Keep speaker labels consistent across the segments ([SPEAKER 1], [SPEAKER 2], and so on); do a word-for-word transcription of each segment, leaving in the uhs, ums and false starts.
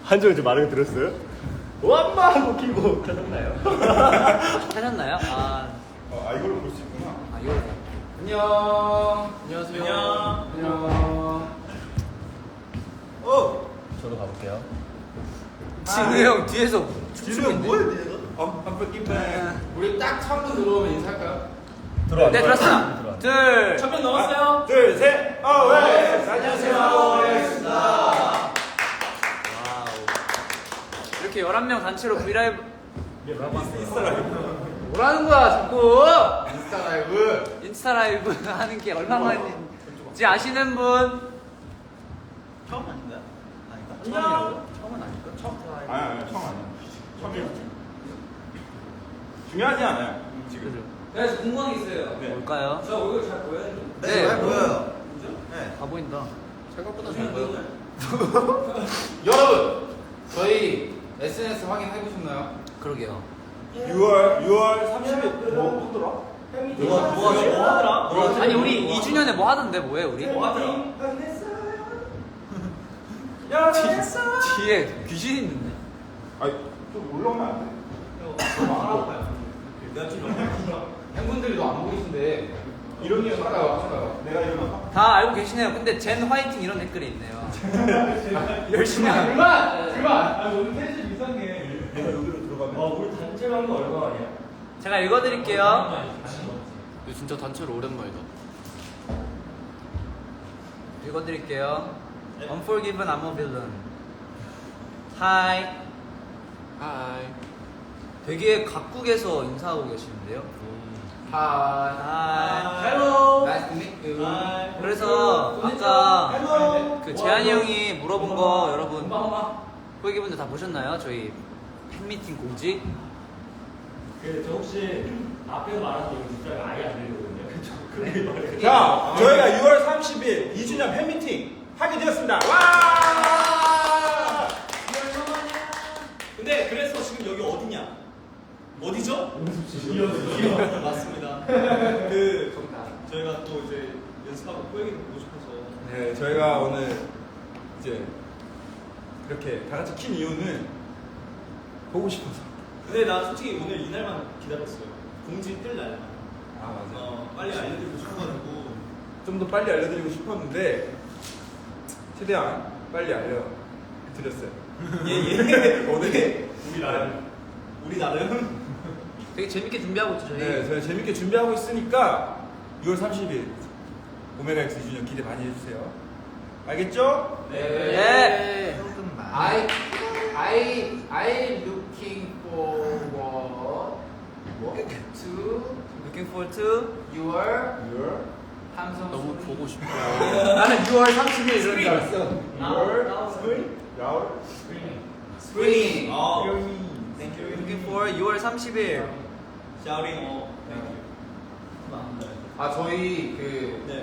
[SPEAKER 1] 한정이 좀 많은 거 들었어요? 엄마 하고 키고 찾았나요?
[SPEAKER 2] 찾았나요? 아,
[SPEAKER 3] 어, 아 이걸로 볼 수 있구나.
[SPEAKER 2] 아 이거
[SPEAKER 4] 안녕. 안녕하세요.
[SPEAKER 1] 안녕.
[SPEAKER 4] 안녕.
[SPEAKER 1] 어! 저도 가볼게요.
[SPEAKER 2] 진우 형 뒤에서
[SPEAKER 1] 지금 뭐야 니가?
[SPEAKER 3] 어, 한번 끼빼.
[SPEAKER 4] 우리 딱 처음 들어오면 인사할까요?
[SPEAKER 1] 들어와.
[SPEAKER 2] 네 들었어. 둘.
[SPEAKER 4] 천명 넘었어요.
[SPEAKER 1] 둘, 셋. 어, 왜?
[SPEAKER 4] 안녕하세요.
[SPEAKER 2] 와우. 이렇게 열한 명 단체로 브이라이브 뭐라는 거야 자꾸.
[SPEAKER 4] 인스타 라이브.
[SPEAKER 2] 인스타 라이브 하는 게 얼마만인지 아시는 분?
[SPEAKER 1] 처음 아닌가요? 아닌가?
[SPEAKER 2] 안녕.
[SPEAKER 1] 처음은 아닐까? 처음.
[SPEAKER 3] 아니 아니 처음 아니야. 처음이야. 중요하지 않아요. 지금.
[SPEAKER 2] 그래서 궁금한 게 있어요.
[SPEAKER 3] 네.
[SPEAKER 2] 뭘까요?
[SPEAKER 4] 저 얼굴 잘 보여요?
[SPEAKER 2] 네,
[SPEAKER 1] 잘 보여요.
[SPEAKER 4] 진짜?
[SPEAKER 1] 네.
[SPEAKER 2] 다 보인다.
[SPEAKER 4] 생각보다 잘 보여요. 여러분, 저희 에스엔에스 확인해 보셨나요?
[SPEAKER 2] 그러게요.
[SPEAKER 3] 유월 유월 삼십일 뭐 뭐더라?
[SPEAKER 1] 누가 누가 뭐 하더라?
[SPEAKER 2] 아니 우리 이 주년에 뭐 하던데 뭐해 우리?
[SPEAKER 1] 뭐 하더라?
[SPEAKER 2] 뒤, 뒤에 귀신 있는데.
[SPEAKER 3] 아니 좀 올라오면 안 돼?
[SPEAKER 1] 내가 좀
[SPEAKER 4] 팬분들도 안 보이신데 이런 게 살아요, 살아요.
[SPEAKER 3] 내가 일어나.
[SPEAKER 2] 다 알고 계시네요. 근데 젠 화이팅 이런 댓글이 있네요. 열심히 하는.
[SPEAKER 4] 그만, 그만. 아 오늘 텐션 이상해.
[SPEAKER 3] 내가 여기로 들어가면.
[SPEAKER 1] 어, 우리 단체로 한 거 얼마만이야?
[SPEAKER 2] 제가 읽어드릴게요.
[SPEAKER 4] 진짜 단체로 오랜만이다.
[SPEAKER 2] 읽어드릴게요. Unforgiven, I'm a villain. Hi.
[SPEAKER 4] 하이.
[SPEAKER 2] 되게 각국에서 인사하고 계시는데요.
[SPEAKER 4] 하이.
[SPEAKER 2] Hi.
[SPEAKER 1] Hello.
[SPEAKER 4] Nice to meet you.
[SPEAKER 2] 그래서 아까
[SPEAKER 1] Hello.
[SPEAKER 2] 그 재한이 형이 물어본 거 여러분 후기분들 다 보셨나요? 저희 팬미팅 공지?
[SPEAKER 1] 그저 혹시 앞에서 말한 게 진짜 아예 안 들리거든요. 그쵸? 그게 말이에요.
[SPEAKER 3] 자, 저희가 유월 삼십일 이 주년 팬미팅 하게 되었습니다. 와!
[SPEAKER 1] 근데 그래서 지금 여기 어디냐? 어디죠? 맞습니다. 그 저희가 또 이제 연습하고 포획이도 보고 싶어서.
[SPEAKER 3] 네, 저희가 오늘 이제 이렇게 다 같이 킨 이유는 보고 싶어서.
[SPEAKER 1] 근데 나 솔직히 오늘 이날만 기다렸어요. 공지 뜰 날만.
[SPEAKER 3] 아 맞아.
[SPEAKER 1] 어, 빨리 알려드리고 싶어가지고.
[SPEAKER 3] 좀 더 빨리 알려드리고 싶었는데 최대한 빨리 알려드렸어요.
[SPEAKER 1] 예예.
[SPEAKER 3] 오늘
[SPEAKER 1] 우리 나름. 우리 나름.
[SPEAKER 2] 되게 재밌게 준비하고 있죠 저희.
[SPEAKER 3] 네, 저희 재밌게 준비하고 있으니까 유월 삼십일 오메가엑스 이 주년 기대 많이 해주세요. 알겠죠?
[SPEAKER 2] 네.
[SPEAKER 4] I I I looking forward to
[SPEAKER 2] Looking forward to
[SPEAKER 4] your
[SPEAKER 3] 유월
[SPEAKER 4] 함성.
[SPEAKER 2] 너무 보고
[SPEAKER 4] 싶어.
[SPEAKER 2] 나는 유월 삼십일 이런 줄 알았어.
[SPEAKER 3] 유월 스프링 야월
[SPEAKER 4] Spring.
[SPEAKER 1] 아.
[SPEAKER 3] 땡큐.
[SPEAKER 2] Looking for 유월 삼십일.
[SPEAKER 1] 샤우링 어.
[SPEAKER 4] 아 저희 그
[SPEAKER 1] 네.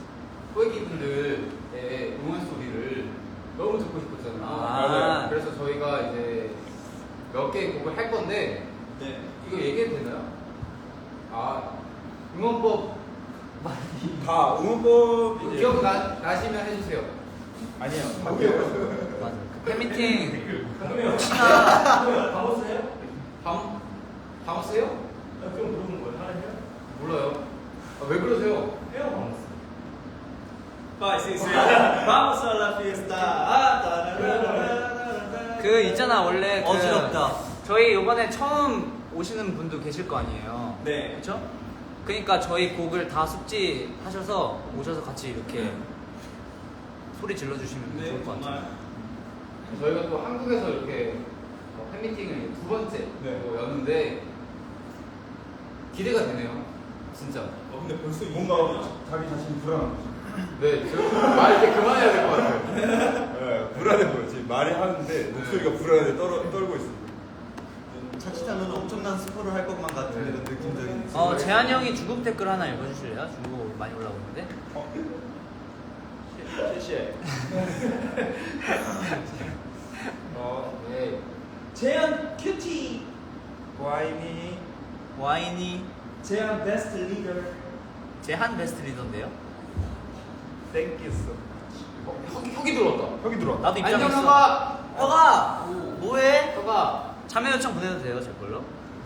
[SPEAKER 4] 호기분들의 응원 소리를 너무 듣고 싶었잖아요.
[SPEAKER 2] 아.
[SPEAKER 3] 맞아요.
[SPEAKER 4] 그래서 저희가 이제 몇 개 곡을 할 건데
[SPEAKER 1] 네.
[SPEAKER 4] 이거 얘기해도 되나요? 아 응원법
[SPEAKER 3] 다 응원법 이제
[SPEAKER 4] 기억 나, 나시면 해주세요.
[SPEAKER 3] 아니에요. 다 기억났어요.
[SPEAKER 2] 맞아. 그 팬미팅 혹시나
[SPEAKER 1] 가보세요?
[SPEAKER 4] 다음 다음 쓰요?
[SPEAKER 1] 그럼 물어보는 거예요. 하나 해요?
[SPEAKER 4] 몰라요. 아, 왜 그러세요?
[SPEAKER 1] 해요, 바모스. 파이, 시, 시. 바모스 알라 피에스타. 아, 따라라라라라라.
[SPEAKER 2] 그 있잖아 원래 그
[SPEAKER 1] 어지럽다.
[SPEAKER 2] 저희 이번에 처음 오시는 분도 계실 거 아니에요.
[SPEAKER 1] 네.
[SPEAKER 2] 그렇죠? 그러니까 저희 곡을 다 숙지하셔서 오셔서 같이 이렇게 소리 질러주시면
[SPEAKER 1] 네,
[SPEAKER 2] 좋을 것 같아요.
[SPEAKER 1] 정말.
[SPEAKER 4] 저희가 또 한국에서 이렇게 어, 팬미팅을 두 번째
[SPEAKER 3] 네.
[SPEAKER 4] 또 였는데 기대가 되네요. 진짜.
[SPEAKER 1] 어, 근데 벌써
[SPEAKER 3] 뭔가 자기 자신이 불안한 거지.
[SPEAKER 4] 네, 저말 이제 그만해야 될 것 같아요.
[SPEAKER 3] 네, 불안해 보여. 지금 말이 하는데 목소리가 불안해 떨어, 떨고 있어.
[SPEAKER 1] 자칫하면 엄청난 스포를 할 것만 같은
[SPEAKER 3] 네.
[SPEAKER 1] 이런 느낌적인.
[SPEAKER 2] 어 재한 형이 중국 댓글 하나 읽어주실래요? 중국 많이 올라오고 있는데.
[SPEAKER 3] 어?
[SPEAKER 1] 谢谢.
[SPEAKER 3] 어,
[SPEAKER 4] 네.
[SPEAKER 1] 재현 큐티.
[SPEAKER 3] 와인이
[SPEAKER 2] 와인이
[SPEAKER 1] 재현 베스트 리더.
[SPEAKER 2] 제한 베스트 리더인데요.
[SPEAKER 3] 땡겼어.
[SPEAKER 4] 어, 혁이, 혁이 들어왔다.
[SPEAKER 3] 혁이 들어와.
[SPEAKER 2] 나도 입장했어.
[SPEAKER 4] 안녕 형아.
[SPEAKER 2] 혁아 뭐해?
[SPEAKER 4] 혁아
[SPEAKER 2] 참여 요청 보내도 돼요 제 걸로?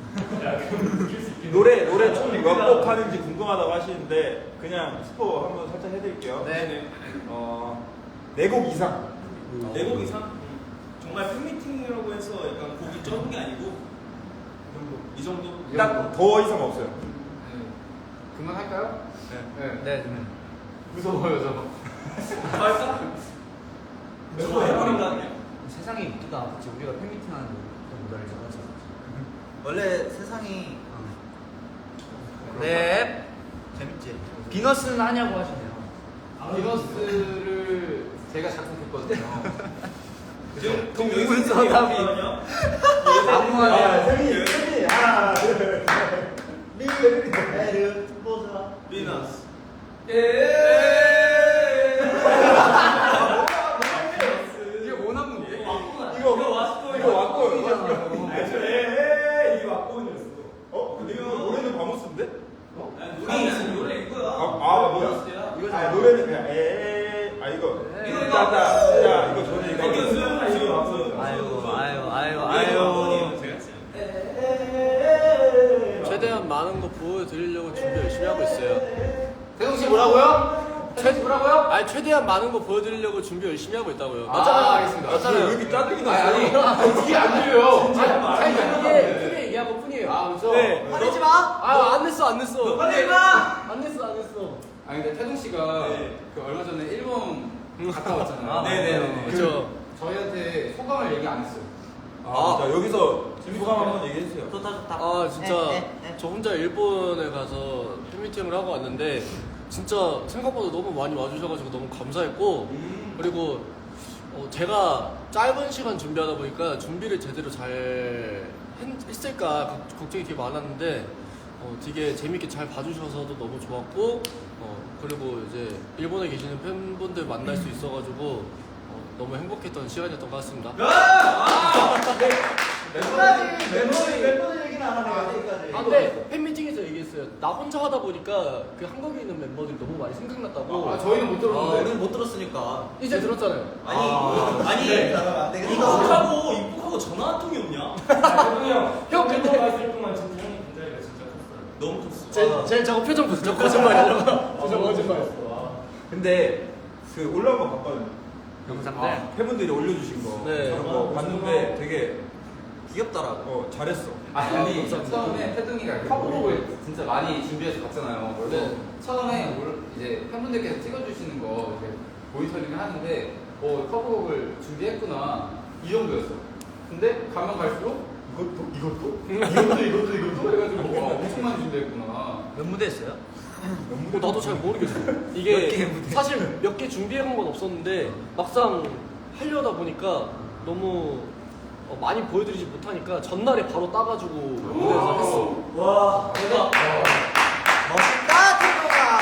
[SPEAKER 3] 노래 노래 총 몇 곡 하는지 궁금하다고 하시는데 그냥 스포 한번 살짝 해드릴게요.
[SPEAKER 4] 네네.
[SPEAKER 3] 어, 네 곡 이상.
[SPEAKER 1] 네 곡 이상? 음. 정말 팬미팅이라고 해서 약간 곡이 적은 게 아니고 이 정도?
[SPEAKER 3] 딱 더 이상 없어요.
[SPEAKER 4] 네. 그만할까요?
[SPEAKER 3] 네.
[SPEAKER 4] 네.
[SPEAKER 2] 네.
[SPEAKER 4] 무서워요 저.
[SPEAKER 1] 할까? 저거 해버린다 그냥.
[SPEAKER 2] 세상이 이쁘다. 그치 우리가 팬미팅하는 거 못 알잖아.
[SPEAKER 5] 원래 세상이
[SPEAKER 2] 네.
[SPEAKER 5] 재밌지.
[SPEAKER 2] 비너스는 하냐고 하시네요.
[SPEAKER 4] 비너스를 제가 작곡했거든요.
[SPEAKER 1] 지금
[SPEAKER 2] 그
[SPEAKER 1] 지금
[SPEAKER 2] 우물
[SPEAKER 1] 여기서
[SPEAKER 2] 사람이.
[SPEAKER 1] 얘기하거든요?
[SPEAKER 2] 안무하네요.
[SPEAKER 3] 세미 세미 하나 둘
[SPEAKER 5] 미래를 보자.
[SPEAKER 1] 비너스.
[SPEAKER 4] 이게 뭐 남는데?
[SPEAKER 3] 이거 이거 왔고
[SPEAKER 1] 에이, 이게 왁구원이었어.
[SPEAKER 3] 어? 근데 이거 노래는 바모스인데?
[SPEAKER 1] 노래 노래 이거야.
[SPEAKER 3] 아, 아 뭐야?
[SPEAKER 5] 이거
[SPEAKER 3] 아 노래는 그냥 에아 이거
[SPEAKER 1] 이거, 이거.
[SPEAKER 3] 따따 야 이거 전에 이거
[SPEAKER 1] 이거 수영 지금 왁구원.
[SPEAKER 2] 아이고 아이고 아이고
[SPEAKER 1] 왁구원이에요,
[SPEAKER 2] 아이고.
[SPEAKER 1] 제가 지금.
[SPEAKER 6] 최대한 많은 거 보여드리려고 준비 열심히 하고 있어요.
[SPEAKER 4] 대동 씨 뭐라고요? 최 뭐라고요?
[SPEAKER 6] 아니 최대한 많은 거 보여드리려고 준비 열심히 하고 있다고요.
[SPEAKER 4] 아, 알겠습니다.
[SPEAKER 6] 맞잖아요.
[SPEAKER 3] 왜 이렇게 짜증이
[SPEAKER 4] 아니
[SPEAKER 3] 났어요?
[SPEAKER 4] 아니 이게 안 들려요.
[SPEAKER 6] 아니 크게 크게 얘기한 것 뿐이에요.
[SPEAKER 4] 아 그렇죠.
[SPEAKER 6] 네.
[SPEAKER 5] 화내지 마.
[SPEAKER 6] 아안 냈어 안 냈어.
[SPEAKER 5] 화내지 마.
[SPEAKER 6] 안 냈어 안 냈어.
[SPEAKER 4] 아니 근데 태동 씨가
[SPEAKER 1] 네.
[SPEAKER 4] 그 얼마 전에 일본 갔다 왔잖아요.
[SPEAKER 1] 네네네.
[SPEAKER 6] 그렇죠.
[SPEAKER 4] 저희한테 소감을 얘기 안 했어요.
[SPEAKER 3] 아, 자 여기서 소감 한번 얘기해 주세요.
[SPEAKER 5] 좋다 좋다.
[SPEAKER 6] 아 진짜
[SPEAKER 5] 에, 에, 에.
[SPEAKER 6] 저 혼자 일본에 가서 팬미팅을 하고 왔는데 진짜 생각보다 너무 많이 와주셔가지고 너무 감사했고 그리고 어, 제가 짧은 시간 준비하다 보니까 준비를 제대로 잘 했, 했을까 걱- 걱정이 되게 많았는데 어, 되게 재밌게 잘 봐주셔서도 너무 좋았고 어, 그리고 이제 일본에 계시는 팬분들 만날 수 있어가지고 어, 너무 행복했던 시간이었던 것 같습니다.
[SPEAKER 5] 멤버들 멤버들 멤버들 얘기는 안 하네 아직까지.
[SPEAKER 6] 아, 근데 팬미팅에서 얘기했어요. 나 혼자 하다 보니까 그 한국에 있는 멤버들이 너무 많이 생각났다고.
[SPEAKER 4] 아 저희는 못
[SPEAKER 5] 아,
[SPEAKER 4] 들었는데.
[SPEAKER 5] 우리는 못 들었으니까.
[SPEAKER 6] 이제 들었잖아요.
[SPEAKER 1] 아니
[SPEAKER 5] 아,
[SPEAKER 1] 아니
[SPEAKER 5] 네, 안 되겠다.
[SPEAKER 1] 입국하고 입국하고 전화 한 통이 없냐?
[SPEAKER 6] 형 근데
[SPEAKER 1] 너무 컸어.
[SPEAKER 6] 제, 제 저거 표정 보세요. 저 거짓말이라고. 저 거짓말이었어.
[SPEAKER 3] 근데 그 올라온 거 봤거든요.
[SPEAKER 2] 영상들.
[SPEAKER 3] 아, 팬분들이 올려주신 거
[SPEAKER 6] 네.
[SPEAKER 3] 그런 거 봤는데 되게
[SPEAKER 5] 귀엽더라고.
[SPEAKER 3] 어 잘했어.
[SPEAKER 4] 아니 처음에 태동이가 커버곡을 진짜 많이 준비해서 갔잖아요. 그래서
[SPEAKER 6] 네.
[SPEAKER 4] 처음에 올- 이제 팬분들께서 찍어주시는 거 이렇게 모니터링을 하는데 어 커버곡을 준비했구나 이 정도였어. 근데 가면 갈수록 이것도 이것도 이것도 이것도 이것도 해가지고 와 엄청 많이 준비했구나.
[SPEAKER 2] 몇 무대 했어요?
[SPEAKER 6] 어, 나도 잘 모르겠어. 이게 사실 몇 개 준비해본 건 없었는데 막상 하려다 보니까 너무 어, 많이 보여드리지 못하니까 전날에 바로 따가지고 무대에서 했어.
[SPEAKER 1] 와 대박.
[SPEAKER 5] 멋있다 태동아.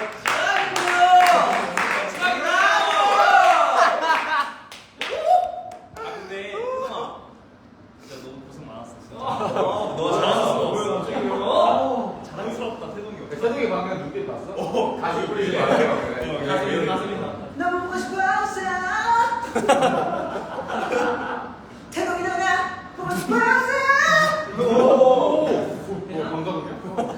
[SPEAKER 1] 아 근데 혜성아 진짜 너무 고생 많았어. 진짜. 어, 너 잘했어. 어, 자랑스럽다 태동이.
[SPEAKER 4] 태동이 방금 눈빛 봤어?
[SPEAKER 1] 어.
[SPEAKER 4] 가슴 뿌리지 마세요.
[SPEAKER 1] 어, 가슴이 가슴이 나.
[SPEAKER 5] 너무 보고 싶어서. 태동이 너가 보고 싶어서.
[SPEAKER 4] 오, 감독이야?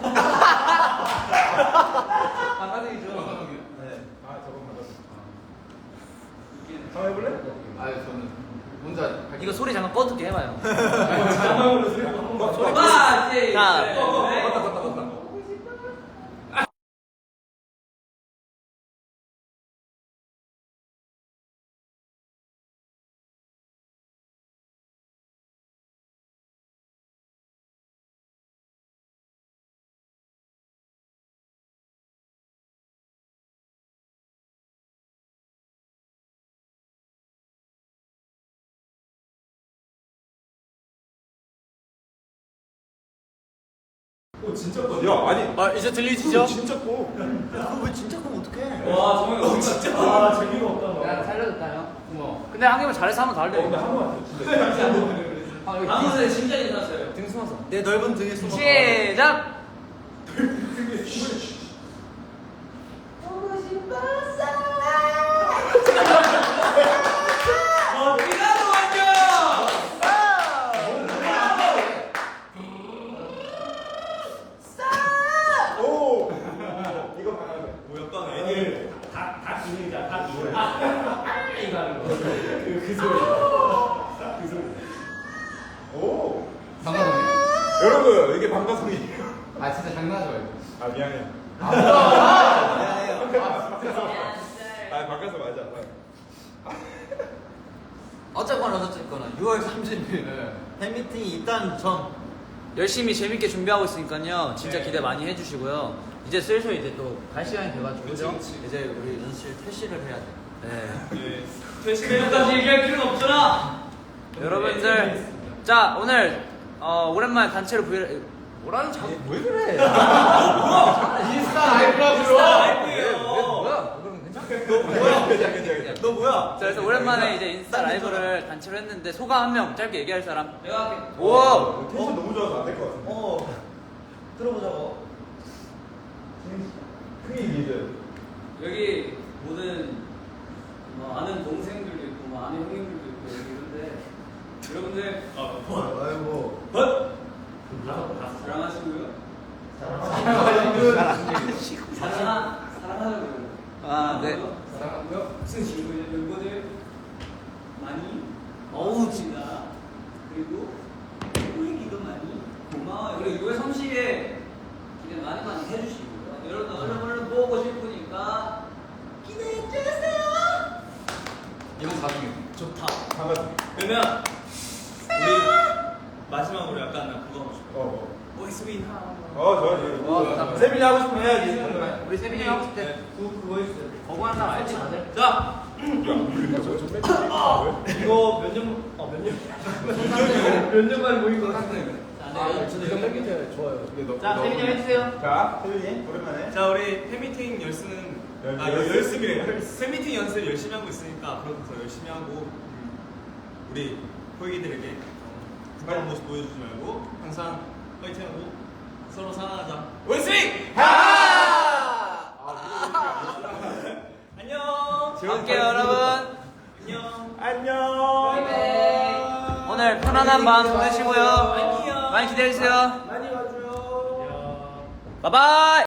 [SPEAKER 5] 반가둥이죠.
[SPEAKER 4] 네.
[SPEAKER 3] 아 저건 맞았어. 한번 해볼래?
[SPEAKER 4] 아 저는 혼자 할
[SPEAKER 2] 이거 소리 잠깐 꺼둘게 해봐요.
[SPEAKER 1] 자랑으로 소리 한번 봐.
[SPEAKER 2] 소리
[SPEAKER 1] 아, 예, 예.
[SPEAKER 2] 자,
[SPEAKER 1] 네. 어, 어, 맞다 맞다 맞다. 오 진짜 커.
[SPEAKER 3] 야 아니
[SPEAKER 6] 아 이제 들리시죠?
[SPEAKER 3] 진짜 커.
[SPEAKER 5] 그거 왜 진짜 그럼 어떡해?
[SPEAKER 1] 와 정말 너무 진짜. 아 재미가 없다.
[SPEAKER 4] 야 살려줬다 형. 고마워.
[SPEAKER 2] 근데 한 개만 잘해서 한번 더 할래.
[SPEAKER 3] 근데 한 번만 진짜.
[SPEAKER 4] 아 여기
[SPEAKER 1] 아무튼 진짜 괜찮았어요.
[SPEAKER 4] 등 숨어서.
[SPEAKER 5] 내 넓은 등에 숨어.
[SPEAKER 2] 시작.
[SPEAKER 5] 보고 싶어서.
[SPEAKER 1] 어, 피나노 안녕.
[SPEAKER 4] 이거 하는 거.
[SPEAKER 3] 그 소리. 그 소리. 오.
[SPEAKER 4] 방가성이?
[SPEAKER 3] 여러분 이게 방가성이에요.
[SPEAKER 4] 아 진짜 장난하지 말고.
[SPEAKER 3] 아 미안해.
[SPEAKER 4] 아 뭐야?
[SPEAKER 5] 미안해요.
[SPEAKER 4] 아 진짜.
[SPEAKER 3] 아 방가성 맞아.
[SPEAKER 5] 어쨌거나 어쨌거나 유월 삼십일
[SPEAKER 4] 네.
[SPEAKER 5] 팬미팅이 있다는 점.
[SPEAKER 2] 열심히 재밌게 준비하고 있으니까요. 진짜
[SPEAKER 1] 네.
[SPEAKER 2] 기대 많이 해주시고요. 이제 슬슬 이제 또 갈 시간이 돼가지고
[SPEAKER 1] 그치,
[SPEAKER 2] 그죠?
[SPEAKER 1] 그치.
[SPEAKER 5] 이제 우리 연습실 퇴실을 해야 돼.
[SPEAKER 2] 네.
[SPEAKER 1] 네. 퇴실까지 얘기할 필요는 없잖아.
[SPEAKER 2] 여러분들, 자 오늘 어, 오랜만에 단체로 브이를 뭐라는 자꾸
[SPEAKER 3] 왜 그래?
[SPEAKER 4] 인스타 라이브라고요.
[SPEAKER 1] 인스타 라이브예요.
[SPEAKER 2] 뭐야? 그럼 괜찮아?
[SPEAKER 3] 괜찮아 괜찮아.
[SPEAKER 1] 너 뭐야?
[SPEAKER 2] 자, 그래서 오랜만에 이제 인스타 라이브를 단체로 했는데 소감 한 명 짧게 얘기할 사람.
[SPEAKER 1] 내가 할게.
[SPEAKER 2] 오!
[SPEAKER 3] 텐션 너무 좋아서 안 될 것 같은데.
[SPEAKER 5] 어. 들어보자고.
[SPEAKER 3] 크게 얘기해줘요.
[SPEAKER 7] 여기 모든 뭐 아는 동생들도 있고 뭐 아는 형님들도 있고 여기 이런데 여러분들
[SPEAKER 1] 아, 뭐?
[SPEAKER 5] 아이고.
[SPEAKER 1] 뭐?
[SPEAKER 7] 사랑하시고요.
[SPEAKER 5] 사랑하시고요.
[SPEAKER 7] 사랑하 사랑하고요.
[SPEAKER 2] 아, 네.
[SPEAKER 7] 사랑하고요. 무슨 친구들 멤버들 많이 어우치다. 그리고 보이기도 많이 고마워요. 그리고 유월 삼십에 기대 많이 많이 해주시고요. 여러분 얼른 얼른 보고 싶으니까 기대해 주세요.
[SPEAKER 4] 이번 사중에.
[SPEAKER 1] 좋다.
[SPEAKER 3] 방가성.
[SPEAKER 1] 그러면 우리 마지막으로 약간 나 그거 하고 싶어.
[SPEAKER 3] 어.
[SPEAKER 1] Voice Win
[SPEAKER 3] 어. 어 좋아 좋아.
[SPEAKER 2] 어,
[SPEAKER 3] 세빈이 하고 싶으면 해야지.
[SPEAKER 2] 우리 세빈이 하고 싶대.
[SPEAKER 1] 네.
[SPEAKER 5] 그 그거 있어요.
[SPEAKER 2] 거부하는 사람 알지 다들?
[SPEAKER 1] 자, 이거 몇 년, 어, 몇 년? 몇 년 만에 모인 것 같은데.
[SPEAKER 7] 아, 저도 이거 팬미팅 좋아요.
[SPEAKER 2] 자, 세빈이 형 해주세요.
[SPEAKER 3] 자 세빈이 오랜만에.
[SPEAKER 1] 자, 우리 팬미팅 열심은,
[SPEAKER 3] 열-
[SPEAKER 1] 아,
[SPEAKER 3] 열습?
[SPEAKER 1] 열심이래. 팬미팅 연습 열심히 하고 있으니까 앞으로도 더 열심히 하고, 우리 호이기들에게 부끄러운 모습 보여주지 말고, 항상 파이팅하고, 서로 사랑하자. 원스윙! 안녕!
[SPEAKER 2] 갈게요 여러분.
[SPEAKER 1] 안녕!
[SPEAKER 3] 안녕.
[SPEAKER 2] 오늘 편안한 밤 보내시고요.
[SPEAKER 1] 안녕.
[SPEAKER 2] 많이 기대해주세요.
[SPEAKER 1] 많이 와줘요.
[SPEAKER 2] 바이바이.